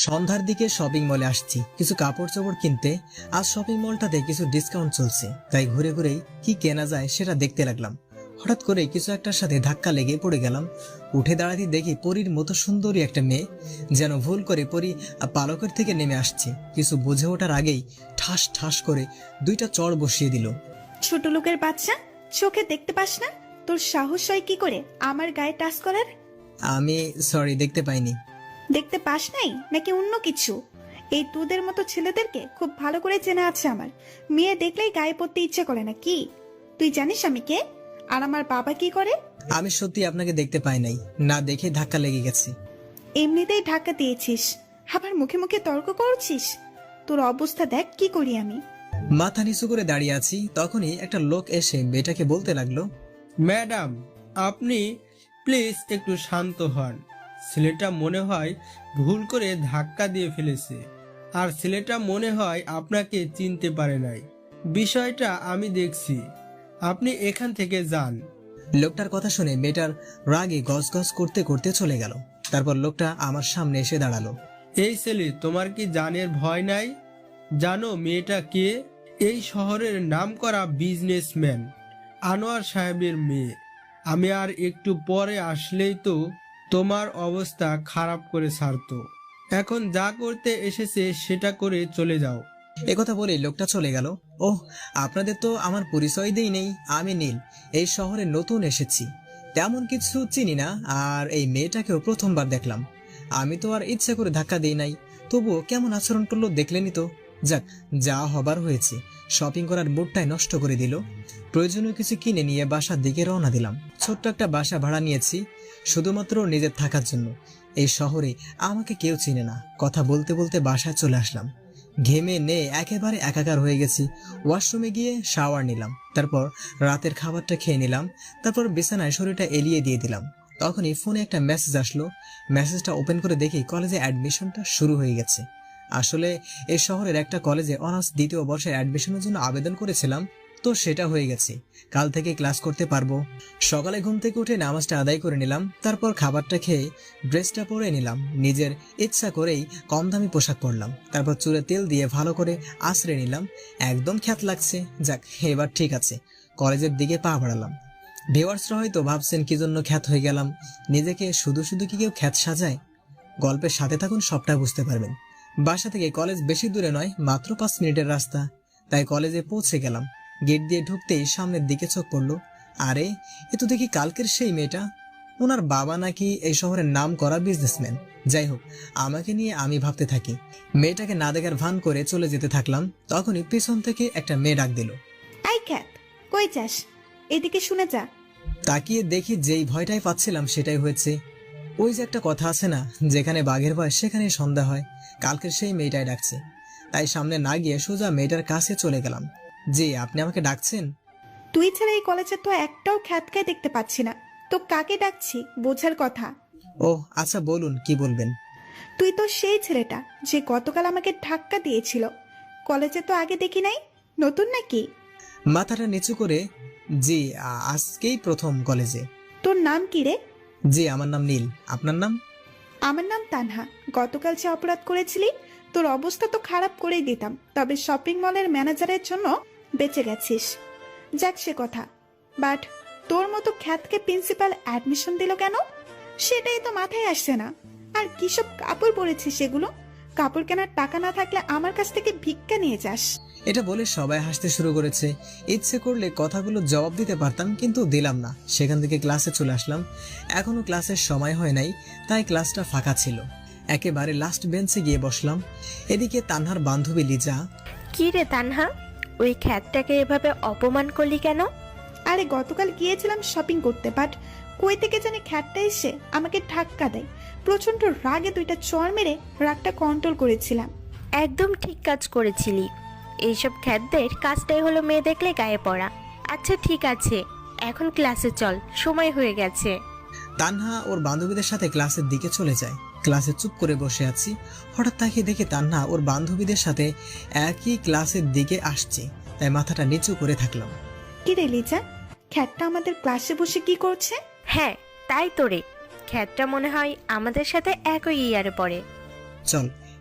সন্ধ্যার দিকে শপিং মলে আসছি কিছু কাপড় চোপড় কিনতে। আজ শপিং মলটাতে কিছু ডিসকাউন্ট চলছে, তাই ঘুরে ঘুরেই কি কেনা যায় সেটা দেখতে লাগলাম। হঠাৎ করে কিছু একটার সাথে ধাক্কা লেগে পড়ে গেলাম। উঠে দাঁড়াতে দেখি পরীর মতো সুন্দরী একটা মেয়ে, যেন ভুল করে পরী পালকের থেকে নেমে আসছে। কিছু বুঝে ওঠার আগেই ঠাস ঠাস করে দুইটা চড় বসিয়ে দিল। ছোট লোকের বাচ্চা, চোখে দেখতে পাস না? তোর সাহস হয় কি করে আমার গায়ে টাচ করার? আমি সরি, দেখতে পাইনি। দেখতে পাস নাই নাকি অন্য কিছু? এই তোদের মতো ছেলেদেরকে খুব ভালো করে চেনা আছে আমার। মেয়ে দেখলেই গায়ে পড়তে ইচ্ছে করে না কি? তুই জানিস আমি কে আর আমার বাবা কি করে? আমি সত্যি আপনাকে দেখতে পাই নাই, না দেখে ধাক্কা লেগে গেছে। এমনিতেই ধাক্কা দিয়েছিস, আবার মুখে মুখে তর্ক করছিস। তোর অবস্থা দেখ কি করি আমি। মাথা নিচু করে দাঁড়িয়ে আছি, তখনই একটা লোক এসে মেয়েটাকে বলতে লাগলো, ম্যাডাম, আপনি প্লিজ একটু শান্ত হন। ছেলেটা মনে হয় ভুল করে ধাক্কা দিয়ে ফেলেছে, আর ছেলেটা মনে হয় আপনাকে চিনতে পারে নাই। বিষয়টা আমি দেখছি, আপনি এখান থেকে যান। লোকটার কথা শুনে মেয়েটার রাগে গজগজ করতে করতে চলে গেল। তারপর লোকটা আমার সামনে এসে দাঁড়ালো। এই ছেলে, তোমার কি জানের ভয় নাই? জানো মেয়েটা কে? এই শহরের নামকরা বিজনেসম্যান আনোয়ার সাহেবের মেয়ে। আমি আর একটু পরে আসলেই তো তোমার অবস্থা খারাপ করে ছাড়তো। এখন যা করতে এসেছে সেটা করে চলে যাও। একথা বলে লোকটা চলে গেল। ওহ, আপনাদের তো আমার পরিচয় দেই নেই। আমি নীল, এই শহরে নতুন এসেছি, তেমন কিছু চিনি না, আর এই মেয়েটাকেও প্রথমবার দেখলাম। আমি তো আর ইচ্ছে করে ধাক্কা দিই নাই, তবুও কেমন আচরণ করলো দেখলেনই তো। যাক, যা হবার হয়েছে। শপিং করার মুডটাই নষ্ট করে দিল। প্রয়োজনীয় কিছু কিনে নিয়ে বাসার দিকে রওনা দিলাম। ছোট্ট একটা বাসা ভাড়া নিয়েছি, শুধুমাত্র নিজের থাকার জন্য। এই শহরে আমাকে কেউ চিনে না। কথা বলতে বলতে বাসায় চলে আসলাম। ঘেমে নে একেবারে একাকার হয়ে গেছি। ওয়াশরুমে গিয়ে শাওয়ার নিলাম, তারপর রাতের খাবারটা খেয়ে নিলাম, তারপর বিছানায় শরীরটা এলিয়ে দিয়ে দিলাম। তখনই ফোনে একটা মেসেজ আসলো। মেসেজটা ওপেন করে দেখি কলেজে অ্যাডমিশনটা শুরু হয়ে গেছে। আসলে এই শহরের একটা কলেজে অনার্স দ্বিতীয় বর্ষের অ্যাডমিশনের জন্য আবেদন করেছিলাম, তো সেটা হয়ে গেছে। কাল থেকে ক্লাস করতে পারবো। সকালে ঘুম থেকে উঠে নামাজটা আদায় করে নিলাম, তারপর খাবারটা খেয়ে ড্রেসটা পরে নিলাম। নিজের ইচ্ছা করেই কম দামি পোশাক পরলাম, তারপর চুলে তেল দিয়ে ভালো করে আঁচড়ে নিলাম। একদম খ্যাত লাগছে। যাক, এবার ঠিক আছে। কলেজের দিকে পা বাড়ালাম। ভিউয়ার্সরা হয়তো ভাবছেন কি জন্য খ্যাত হয়ে গেলাম। নিজেকে শুধু শুধু কি কেউ খ্যাত সাজায়? গল্পের সাথে থাকুন, সবটা বুঝতে পারবেন। বাসা থেকে কলেজ বেশি দূরে নয়, মাত্র 5 মিনিটের রাস্তা। তাই কলেজে পৌঁছে গেলাম। গেট দিয়ে ঢুকতেই সামনের দিকে চোখ পড়লো। আরে, এ তো দেখি কালকের সেই মেয়েটা। ওনার বাবা নাকি এই শহরের নাম করা বিজনেসম্যান। যাই হোক, আমাকে নিয়ে আমি ভাবতে থাকি। মেয়েটাকে না দেখার ভান করে চলে যেতে থাকলাম। তখনই পিছন থেকে একটা মেয়ে ডাক দিল। আই খ্যাত, কই যাস? এদিকে শুনে যা। তাকিয়ে দেখি যেই ভয়টাই পাচ্ছিলাম সেটাই হয়েছে। ওই যে একটা কথা আছে না, যেখানে বাঘের ভয় সেখানেই সন্ধ্যা হয়। কালকের সেই মেয়েটাই ডাকছে। তাই সামনে না গিয়ে সোজা মেয়েটার কাছে চলে গেলাম। জি, আপনি আমাকে ডাকছেন? তুই ছাড়া এই কলেজে তো একটাও খ্যাতকায় দেখতে পাচ্ছি না, তো কাকে ডাকছি বোঝার কথা। ও আচ্ছা, বলুন কি বলবেন। তুই তো সেই ছেলেটা যে গতকাল আমাকে ধাক্কা দিয়েছিল। কলেজে তো আগে দেখি নাই, নতুন নাকি? মাথাটা নিচু করে, জি, আজকেই প্রথম কলেজে। তোর নাম কি রে? জি, আমার নাম নীল। আপনার নাম? আমার নাম তানহা। গতকাল যে অপরাধ করেছিলি, তোর অবস্থা তো খারাপ করেই দিতাম, তবে শপিং মলের ম্যানেজারের জন্য বেঁচে গেছিস। যাক সে কথা, বাট তোর মতো খ্যাতকে প্রিন্সিপাল অ্যাডমিশন দিল কেন সেটাই তো মাথায় আসছে না। আর কিসব কাপড় পরেছিস সেগুলো? কাপড় কেনার টাকা না থাকলে আমার কাছ থেকে ভিক্ষা নিয়ে যাস। এটা বলে সবাই হাসতে শুরু করেছে। ইচ্ছে করলে কথাগুলো জবাব দিতে পারতাম, কিন্তু দিলাম না। সেখান থেকে ক্লাসে চলে আসলাম। এখনো ক্লাসের সময় হয় নাই, তাই ক্লাসটা ফাঁকা ছিল। একেবারে লাস্ট বেঞ্চে গিয়ে বসলাম। এদিকে তানহার বান্ধবী লিজা। কি রে তানহা, ওই খ্যাতটাকে এভাবে অপমান করলি কেন? আরে গতকাল গিয়েছিলাম শপিং করতে, বাট কই থেকে জানি খ্যাতটা এসে আমাকে ধাক্কা দেয়। প্রচন্ড রাগে দুইটা চড় মেরে রাগটা কন্ট্রোল করেছিলাম। একদম ঠিক কাজ করেছিলি। এইসব খ্যাতদের কাজটাই হলো মেয়ে দেখলে গায়ে পড়া। আচ্ছা ঠিক আছে, এখন ক্লাসে চল, সময় হয়ে গেছে। তানহা ওর বান্ধবীদের সাথে ক্লাসের দিকে চলে যায়। ক্লাসে চুপ করে বসে আছি। হঠাৎ তাকিয়ে দেখে তানহা ওর বান্ধবীদের সাথে একই ক্লাসের দিকে আসছে, তাই মাথাটা নিচু করে থাকলাম। কি রে লিজা, খ্যাতটা আমাদের ক্লাসে বসে কি করছে? হ্যাঁ তাই তো রে, খ্যাতটা মনে হয় আমাদের সাথে একই ইয়ারে পড়ে। চল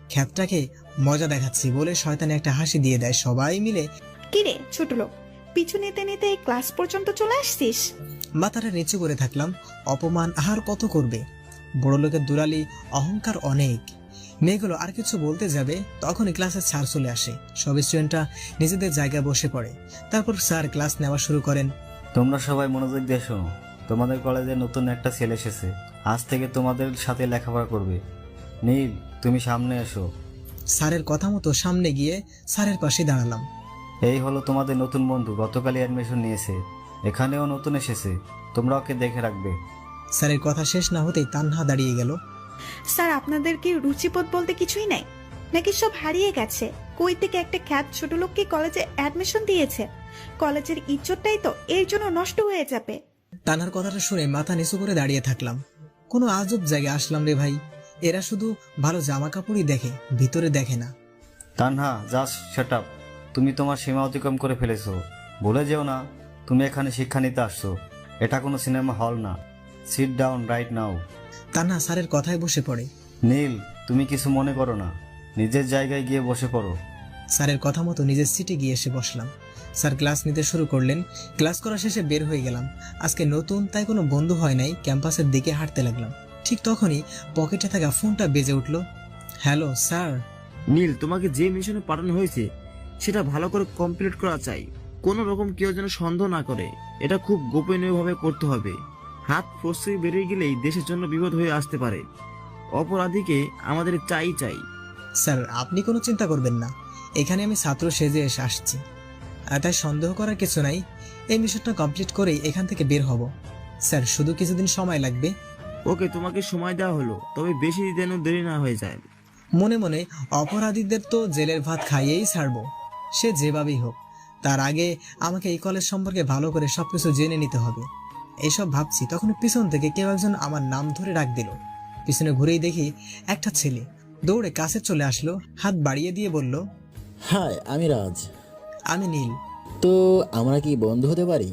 খ্যাতটাকে মজা দেখাচ্ছি বলে শয়তানে একটা হাসি দিয়ে দেয়। সবাই মিলে কিরে ছোট লোক, পিছু নিতে নিতে এই ক্লাস পর্যন্ত চলে আসছিস? মাথাটা নিচু করে থাকলাম। অপমান আর কত করবে? বড় লোকের দুলালি, অহংকার অনেক। মেয়েগুলো আর কিছু বলতে যাবে তখনই ক্লাসের স্যার চলে আসে। সব স্টুডেন্টরা নিজেদের জায়গায় বসে পড়ে। তারপর স্যার ক্লাস নেওয়া শুরু করেন। তোমরা সবাই মনোযোগ দিয়ে শোনো। তোমাদের কলেজে নতুন একটা ছেলে এসেছে, আজ থেকে তোমাদের সাথে লেখাপড়া করবে। নীল, তুমি সামনে এসো। স্যারের কথা মতো সামনে গিয়ে স্যারের পাশে দাঁড়ালাম। এই হলো তোমাদের নতুন বন্ধু, গতকালই অ্যাডমিশন নিয়েছে, এখানেও নতুন এসেছে, তোমরা ওকে দেখে রাখবে। স্যারের কথা শেষ না হতেই তান্হা দাঁড়িয়ে গেল। স্যার, আপনাদের কি রুচিবোধ বলতে কিছুই নাই নাকি? সব হারিয়ে গেছে? কই থেকে একটা খ্যাত ছোট লোককে কলেজে অ্যাডমিশন দিয়েছে? কলেজের ইজ্জতটাই তো এর জন্য নষ্ট হয়ে যাবে। তানহার কথাটা শুনে মাথা নিচু করে দাঁড়িয়ে থাকলাম। কোনো আজব জায়গায় আসলাম রে ভাই। এরা শুধু ভালো জামা কাপড়ই দেখে, ভিতরে দেখে না। Tanha, just shut up. তুমি তোমার সীমা অতিক্রম করে ফেলেছো। ভুলে যেও না, তুমি এখানে শিক্ষা নিতে আসছো, এটা কোনো সিনেমা হল না। Sit down right now. Tanha স্যারের কথায় বসে পড়ে। নীল, তুমি কিছু মনে করো না, নিজের জায়গায় গিয়ে বসে পড়ো। স্যারের কথা মতো নিজের সিটে গিয়ে এসে বসলাম। স্যার ক্লাস নিতে শুরু করলেন। ক্লাস করা শেষে বের হয়ে গেলাম। আজকে নতুন তাই কোনো বন্ধু হয় নাই। ক্যাম্পাসের দিকে হাঁটতে লাগলাম। ঠিক তখনই পকেটে থাকা ফোনটা বেজে উঠল। Hello sir. নীল, তোমাকে যে মিশনে পাঠানো হয়েছে সেটা ভালো করে কমপ্লিট করা চাই। কোনো রকম কেউ যেন সন্দেহ না করে। এটা খুব গোপনীয়ভাবে করতে হবে। হাত ফসকে বেরিয়ে গেলেই দেশের জন্য বিপদ হয়ে আসতে পারে। অপরাধীকে আমাদের চাই। স্যার আপনি কোনো চিন্তা করবেন না, এখানে আমি ছাত্র সেজে এসে আসছি, আর তাই সন্দেহ করার কিছু নাই। এই মিশনটা কমপ্লিট করেই এখান থেকে বের হব। স্যার শুধু কিছুদিন সময় লাগবে। ওকে, তোমাকে সময় দেওয়া হলো, তবে বেশি যেন দেরি না হয়ে যায়। মনে মনে অপরাধীদের তো জেলের ভাত খাইয়েই ছাড়বো, সে যেভাবেই হোক। তার আগে আমাকে এই কলেজ সম্পর্কে ভালো করে সবকিছু জেনে নিতে হবে। এইসব ভাবছি তখন পিছন থেকে কেউ একজন আমার নাম ধরে ডাক দিল। পিছনে ঘুরেই দেখি একটা ছেলে দৌড়ে কাছে চলে আসলো, হাত বাড়িয়ে দিয়ে বলল, হাই, আমি রাজ। আমি নীল। তো আমরা কি বন্ধু হতে পারি?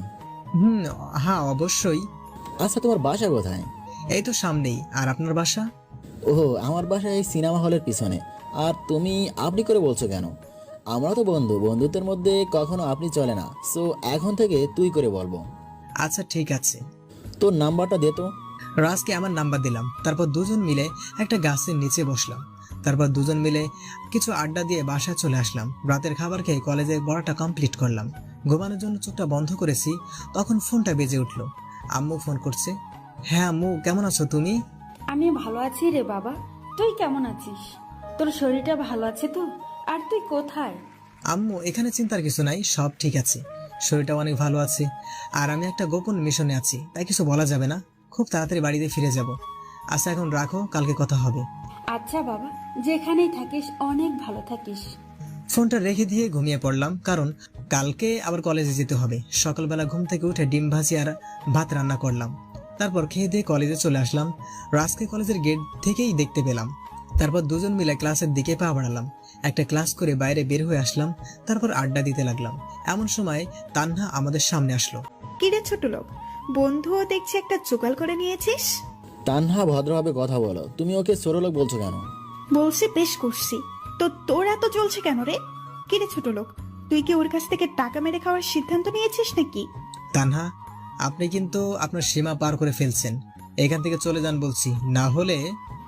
হ্যাঁ অবশ্যই। আচ্ছা, তোমার বাসা কোথায়? এই তো সামনেই। আর আপনার বাসা? ওহো, আমার বাসা এই সিনেমা হলের পিছনে। আর তুমি আপনি করে বলছো কেন? আমরা তো বন্ধু, বন্ধুত্বের মধ্যে কখনো আপনি চলে না। সো এখন থেকে তুই করে বলবো। আচ্ছা ঠিক আছে। তোর নাম্বারটা দে তো। রাজকে আমার নাম্বার দিলাম। তারপর দুজন মিলে একটা গাছের নিচে বসলাম। তারপর দুজন মিলে কিছু আড্ডা দিয়ে বাসায় চলে আসলাম। রাতের খাবার খেয়ে কলেজের পড়াটা কমপ্লিট করলাম। ঘুমানোর জন্য চোখটা বন্ধ করেছি, তখন ফোনটা বেজে উঠলো। আম্মু ফোন করছে। হ্যাঁ আম্মু, কেমন আছো তুমি? আমি ভালো আছি রে বাবা, তুই কেমন আছিস? তোর শরীরটা ভালো আছে তো? আর তুই কোথায়? আম্মু এখানে চিন্তার কিছু নাই, সব ঠিক আছে। শরীরটা অনেক ভালো আছে। আর আমি একটা গোপন মিশনে আছি, তাই কিছু বলা যাবে না। খুব তাড়াতাড়ি বাড়িতে ফিরে যাব। আচ্ছা এখন রাখো, কালকে কথা হবে। আচ্ছা বাবা, যেখানেই থাকিস অনেক ভালো থাকিস। ফোনটা রেখে দিয়ে ঘুমিয়ে পড়লাম, কারণ কালকে আবার কলেজে যেতে হবে। সকালবেলা ঘুম থেকে উঠে ডিম ভাজি আর ভাত রান্না করলাম। তারপর খেয়ে দিয়ে কলেজে চলে আসলাম। রাজকে কলেজের গেট থেকেই দেখতে পেলাম। তারপর দুজন মিলে ক্লাসের দিকে পা বাড়ালাম। একটা ক্লাস করে বাইরে বের হয়ে আসলাম। তারপর আড্ডা দিতে লাগলাম। এমন সময় তান্হা আমাদের সামনে আসলো। কিরে ছোট লোক, বন্ধুও দেখছি একটা জোগাড় করে নিয়েছিস। তানহা, ভদ্রভাবে কথা বলো। তুমি ওকে ছোটলোক বলছো কেন? বলছি বেশ করছি, তো তোর এত চলছে কেন রে? কিরে ছোট লোক, তুই কি ওর কাছ থেকে টাকা মেরে খাওয়ার সিদ্ধান্ত নিয়েছিস নাকি? তানহা, আপনি কিন্তু আপনার সীমা পার করে ফেলছেন। এখান থেকে চলে যান বলছি, না হলে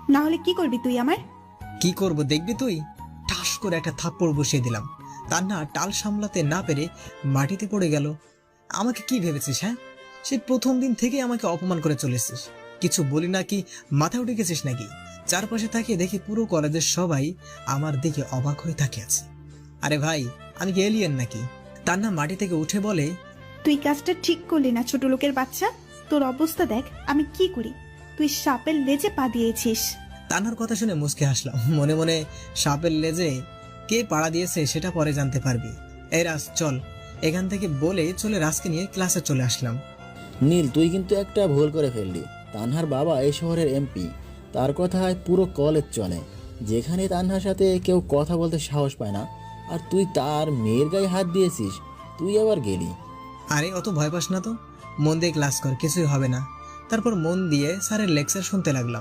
কি করবি তুই আমার? কি করব দেখবি তুই। ঠাস করে একটা থাপ্পড় বসিয়ে দিলাম। তান্হা টাল সামলাতে না পেরে মাটিতে পড়ে গেল। আমাকে কি ভেবেছিস? হ্যাঁ, সে প্রথম দিন থেকে আমাকে অপমান করে চলেছিস। কিছু বলি না কি মাথায় উঠে গেছিস নাকি? চারপাশে তাকিয়ে দেখি পুরো কলেজের সবাই আমার দিকে অবাক হয়ে তাকিয়ে আছে। আরে ভাই, আমি কি এলিয়েন নাকি? তান্হা মাটি থেকে উঠে বলে, তুই কাজটা ঠিক করলি না ছোট লোকের বাচ্চা। তোর অবস্থা দেখ আমি কি করি। তুই সাপের লেজে পা দিয়েছিস। তান্হার কথা শুনে মুচকে হাসলাম। মনে মনে সাপের লেজে কে পাড়া দিয়েছে সেটা পরে জানতে পারবি। এই রাজ চল এখান থেকে বলে চলে রাজকে নিয়ে ক্লাসে চলে আসলাম। নীল, তুই কিন্তু একটা ভুল করে ফেললি। তানহার বাবা এই শহরের এমপি, তার কথায় পুরো কলেজ চলে। যেখানে তানহার সাথে কেউ কথা বলতে সাহস পায় না, আর তুই তার মেয়ের গায়ে হাত দিয়েছিস। তুই আবার গেলি। আরে অত ভয় পাস না তো, মন দিয়ে ক্লাস কর, কিছুই হবে না। তারপর মন দিয়ে স্যারের লেকচার শুনতে লাগলাম।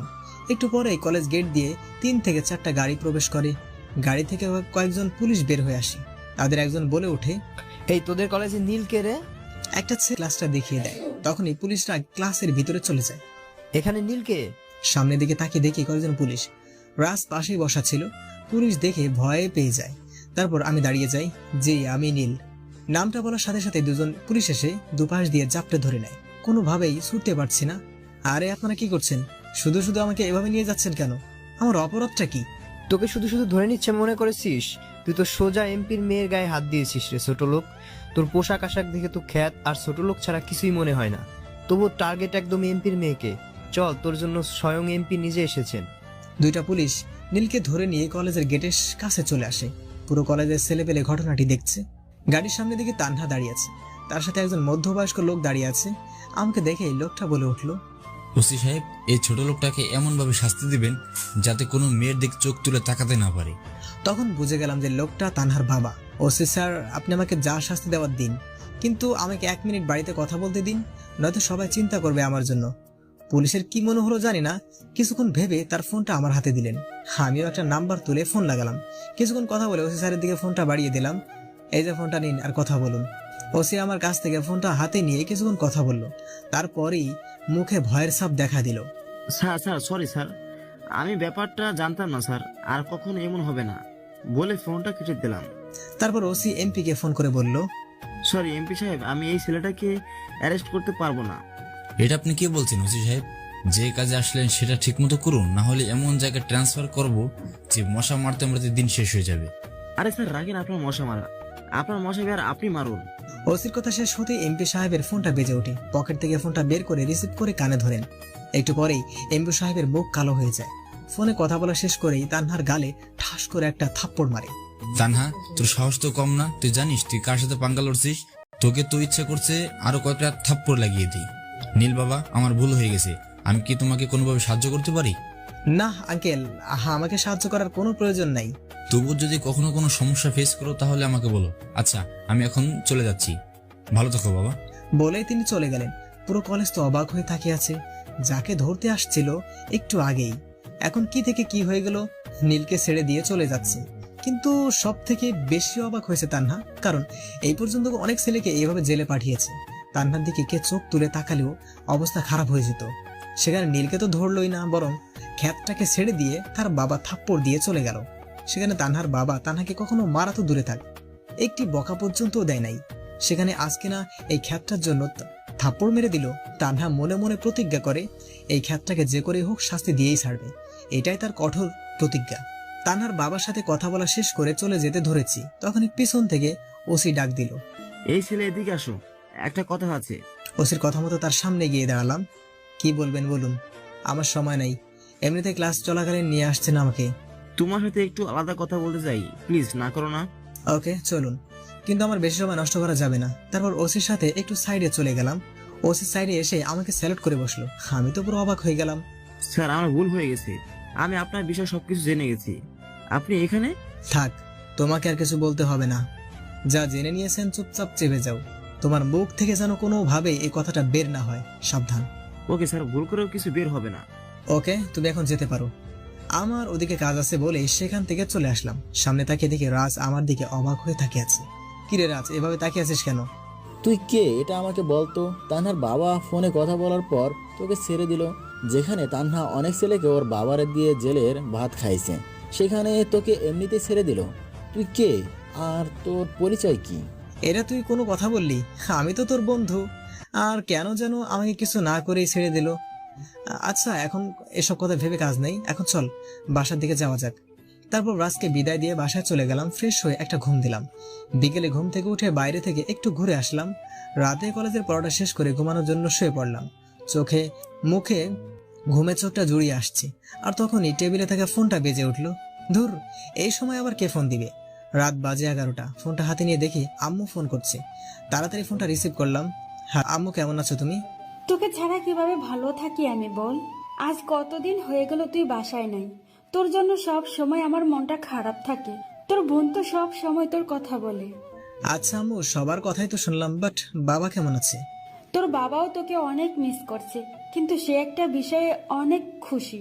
একটু পরেই কলেজ গেট দিয়ে 3 থেকে 4টা গাড়ি প্রবেশ করে। গাড়ি থেকে কয়েকজন পুলিশ বের হয়ে আসে। তাদের একজন বলে ওঠে, এই তোদের কলেজে নীল কে রে? একটা ছেলে ক্লাসটা দেখিয়ে দেয়। তখনই পুলিশরা ক্লাসের ভিতরে চলে যায়। এখানে নীল কে? সামনের দিকে তাকিয়ে দেখি কয়েকজন পুলিশ। রাজ পাশেই বসা ছিল। পুলিশ দেখে ভয়ে পেয়ে যায়। তারপর আমি দাঁড়িয়ে যাই, জি আমি নীল। নামটা বলার সাথে সাথে দুজন পুলিশ এসে দুপাশ দিয়ে জাপটে ধরে নেয়। কোনোভাবেই ছুটতে পারছি না। আরে আপনারা কি করছেন? শুধু শুধু আমাকে এভাবে নিয়ে যাচ্ছেন কেন? আমার অপরাধটা কি? তোকে শুধু শুধু ধরে নিচ্ছে মনে করেছিস? তুই তো সোজা এমপির মেয়ের গায়ে হাত দিয়েছিস রে ছোট লোক। তোর পোশাক আশাক দেখে তো খ্যাত আর ছোট লোক ছাড়া কিছুই মনে হয় না। তবু টার্গেট একদম এমপির মেয়েকে। চল, তোর জন্য স্বয়ং এমপি নিজে এসেছেন। 2টা পুলিশ নীলকে ধরে নিয়ে কলেজের গেটের কাছে চলে আসে। পুরো কলেজের ছেলেপেলে ঘটনাটি দেখছে। গাড়ির সামনে দিকে তানহা দাঁড়িয়ে আছে, তার সাথে একজন মধ্যবয়স্ক লোক দাঁড়িয়ে আছে। আমাকে দেখে লোকটা বলে উঠলো, ওসি সাহেব, এই ছোট লোকটাকে এমনভাবে শাস্তি দিবেন যাতে কোনো মেয়ের দিক চোখ তুলে তাকাতে না পারে। তখন বুঝে গেলাম যে লোকটা তানহার বাবা। ওসি স্যার, আপনি আমাকে যা শাস্তি দেওয়ার দিন, কিন্তু আমাকে 1 মিনিট বাড়িতে কথা বলতে দিন, নয়তো সবাই চিন্তা করবে আমার জন্য। পুলিশের কি মনে হলো জানি না, কিছুক্ষণ ভেবে তার ফোনটা আমার হাতে দিলেন। আমিও একটা নাম্বার তুলে ফোন লাগালাম। কিছুক্ষণ কথা বলে ওসি স্যারের দিকে ফোনটা বাড়িয়ে দিলাম। এই যে ফোনটা নিন আর কথা বলুন। ওসি আমার কাছ থেকে ফোনটা হাতে নিয়ে কিছুক্ষণ কথা বললো। তারপরেই মুখে ভয়ের ছাপ দেখা দিল। স্যার সরি স্যার, আমি ব্যাপারটা জানতাম না স্যার, আর কখনো এমন হবে না বলে ফোনটা কেটে দিলাম। তারপর ওসি এমপি কে ফোন করে বলল, সরি এমপি সাহেব, আমি এই ছেলেটাকে অ্যারেস্ট করতে পারবো না। এটা আপনি কি বলছেন ওসি সাহেব? যে কাজে আসলেন সেটা ঠিক মতো করুন, না হলে এমন জায়গায় ট্রান্সফার করব যে মশা মারতে মারতে দিন শেষ হয়ে যাবে। আরে স্যার রাখেন আপনার মশা মারা, আপনার মশা আর আপনি মারুন। ওসির কথা শেষ হতে এমপি সাহেবের ফোনটা বেজে ওঠে। পকেট থেকে ফোনটা বের করে রিসিভ করে কানে ধরেন। একটু পরেই এমপি সাহেবের মুখ কালো হয়ে যায়। ফোনে কথা বলা শেষ করেই তানহার গালে ঠাস করে একটা থাপ্পড় মারে। তানহা, তোর সাহস তো কম না? তুই জানিস তুই কার সাথে পাঙ্গা লড়ছিস? তোকে তো ইচ্ছে করছে আরো কয়েকটা থাপ্পড় লাগিয়ে দিই। নীল বাবা, আমার ভুল হয়ে গেছে। আমি কি তোমাকে কোনোভাবে সাহায্য করতে পারি? না আঙ্কেল, আমাকে সাহায্য করার কোনো প্রয়োজন নাই। তবু যদি কখনো কোনো সমস্যা ফেস করো তাহলে আমাকে বলো। আচ্ছা, আমি এখন চলে যাচ্ছি। ভালো থাকো বাবা। বলেই তিনি চলে গেলেন। পুরো কলেজ তো অবাক হয়ে তাকিয়ে আছে। যাকে ধরতে আসছিল একটু আগেই, এখন কি থেকে কি হয়ে গেল? নীলকে ছেড়ে দিয়ে চলে যাচ্ছে। কিন্তু সব থেকে বেশি অবাক হয়েছে তানহা, কারণ এই পর্যন্ত অনেক ছেলেকে এইভাবে জেলে পাঠিয়েছে। তানহার দিকে কে চোখ তুলে তাকালেও অবস্থা খারাপ হয়ে যেত। সেখানে নীলকে তো ধরলই না, বরং খ্যাতটাকে ছেড়ে দিয়ে তার বাবা থাপ্পড় দিয়ে চলে গেল। সেখানে তানহার বাবা তানহাকে কখনো মারা তো দূরে থাক, একটি বকা পর্যন্তও দেয় নাই। সেখানে আজকে না এই খ্যাতটার জন্য থাপ্পড় মেরে দিল। তানহা মনে মনে প্রতিজ্ঞা করে এই খ্যাতটাকে যে করে হোক শাস্তি দিয়েই ছাড়বে। এটাই তার কঠোর প্রতিজ্ঞা। তানহার বাবার সাথে কথা বলা শেষ করে চলে যেতে ধরেছি, তখনই পিছন থেকে ওসি ডাক দিল, এই ছেলে এদিকে আসো, একটা কথা আছে। ওসির কথা মতো তার সামনে গিয়ে দাঁড়ালাম। কি বলবেন বলুন, আমার সময় নাই। এমনিতে ক্লাস চলাকালীন নিয়ে আসছেন আমাকে। তোমার সাথে একটু আলাদা কথা বলতে চাই, প্লিজ না করো না। ওকে চলুন, কিন্তু আমার বেশি সময় নষ্ট করা যাবে না। তারপর ওসির সাথে একটু সাইডে চলে গেলাম। ওসি সাইডে এসে আমাকে স্যালুট করে বসলো। আমি তো পুরো অবাক হয়ে গেলাম। স্যার আমার ভুল হয়ে গেছে, আমি আপনার বিষয়ে সবকিছু জেনে গেছি। আপনি এখানে? থাক, তোমাকে আর কিছু বলতে হবে না। যা জেনে নিয়েছেন চুপচাপ চেপে যাও। তোমার মুখ থেকে যেন কোনোভাবে এই কথাটা বের না হয়, সাবধান। ওকে স্যার, ভুল করেও কিছু বের হবে না। ওকে, তুমি এখন যেতে পারো। আমার ওদিকে কাজ আছে বলে সেখান থেকে চলে আসলাম। সামনে তাকিয়ে দেখি রাজ আমার দিকে অবাক হয়ে তাকিয়ে আছে। কিরে রাজ, এভাবে তাকিয়ে আছিস কেন? তুই কে এটা আমাকে বলতো? তানহার বাবা ফোনে কথা বলার পর তোকে ছেড়ে দিল। যেখানে তানহা অনেক ছেলেকে ওর বাবারে দিয়ে জেলের ভাত খাইছে, সেখানে তোকে এমনিতেই ছেড়ে দিল। তুই কে আর তোর পরিচয় কি? এটা তুই কোনো কথা বললি? আমি তো তোর বন্ধু, আর কেন যেন আমাকে কিছু না করেই ছেড়ে দিল। আচ্ছা, এখন এসব কথা ভেবে কাজ নেই, এখন চল বাসার দিকে যাওয়া যাক। তারপর রাজকে বিদায় দিয়ে বাসায় চলে গেলাম। ফ্রেশ হয়ে একটা ঘুম দিলাম। বিকেলে ঘুম থেকে উঠে বাইরে থেকে একটু ঘুরে আসলাম। রাতে কলেজের পড়াটা শেষ করে ঘুমানোর জন্য শুয়ে পড়লাম। চোখে মুখে ঘুমে চোখটা জুড়িয়ে আসছে, আর তখনই টেবিলে থাকা ফোনটা বেজে উঠলো। ধুর, এই সময় আবার কে ফোন দিবে? রাত বাজে 11টা। ফোনটা হাতে নিয়ে দেখি আম্মু ফোন করছে। তাড়াতাড়ি ফোনটা রিসিভ করলাম। হ্যাঁ আম্মু, কেমন আছো তুমি? তোকে ছাড়া কিভাবে ভালো থাকি আমি বল? আজ কতদিন হয়ে গেল তুই বাসায় নাই। তোর জন্য সব সময় আমার মনটা খারাপ থাকে। তোর বোন তো সব সময় তোর কথা বলে। আচ্ছা আম্মু, সবার কথাই তো শুনলাম, বাট বাবা কেমন আছে? তোর বাবাও তোকে অনেক মিস করছে, কিন্তু সে একটা বিষয়ে অনেক খুশি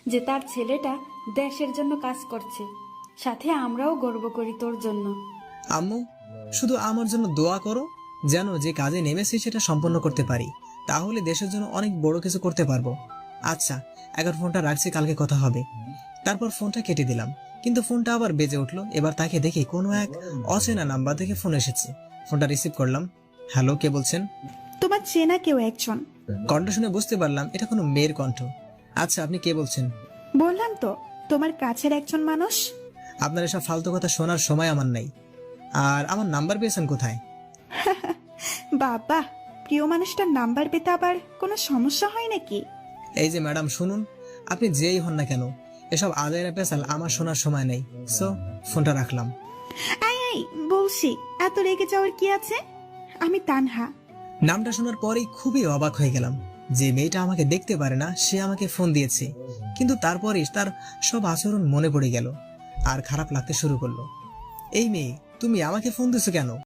যে তার ছেলেটা দেশের জন্য কাজ করছে। সাথে আমরাও গর্ব করি তোর জন্য। আম্মু, শুধু আমার জন্য দোয়া করো যেন যে কাজে নেমেছি সেটা সম্পন্ন করতে পারি, তাহলে দেশের জন্য অনেক বড় কিছু করতে পারবো। আচ্ছা, এখন ফোনটা রাখছি, কালকে কথা হবে। তারপর ফোনটা কেটে দিলাম, কিন্তু ফোনটা আবার বেজে উঠলো। এবার তাকে দেখি কোনো এক অচেনা নাম্বার থেকে ফোন এসেছে। ফোনটা রিসিভ করলাম। হ্যালো, কে বলছেন? তোমার চেনা কেউ একজন। কণ্ঠ শুনে বুঝতে পারলাম এটা কোনো মেয়ের কণ্ঠ। আচ্ছা, আপনি কে বলছেন? বললাম তো, তোমার কাছের একজন মানুষ। আপনার এসব ফালতু কথা শোনার সময় আমার নাই। আর আমার নাম্বার পেয়েছেন কোথায়? বাবা, প্রিয় মানুষটার নাম্বার পেতে আবার কোনো সমস্যা হয় নাকি? এই যে ম্যাডাম শুনুন, আপনি যেই হন না কেন, এসব আদায়রা পেশাল আমার শোনার সময় নেই। সো ফোনটা রাখলাম। এই বলছি, এত রেগে যাওয়ার কি আছে? আমি তানহা। নামটা শোনার পরেই খুবই অবাক হয়ে গেলাম। যে মেয়েটা আমাকে দেখতে পারে না সে আমাকে ফোন দিয়েছে, কিন্তু তারপরেই তার সব আচরণ মনে পড়ে গেল আর খারাপ লাগতে শুরু করলো। এই মেয়ে, তুমি আমাকে ফোন দিছো কেন?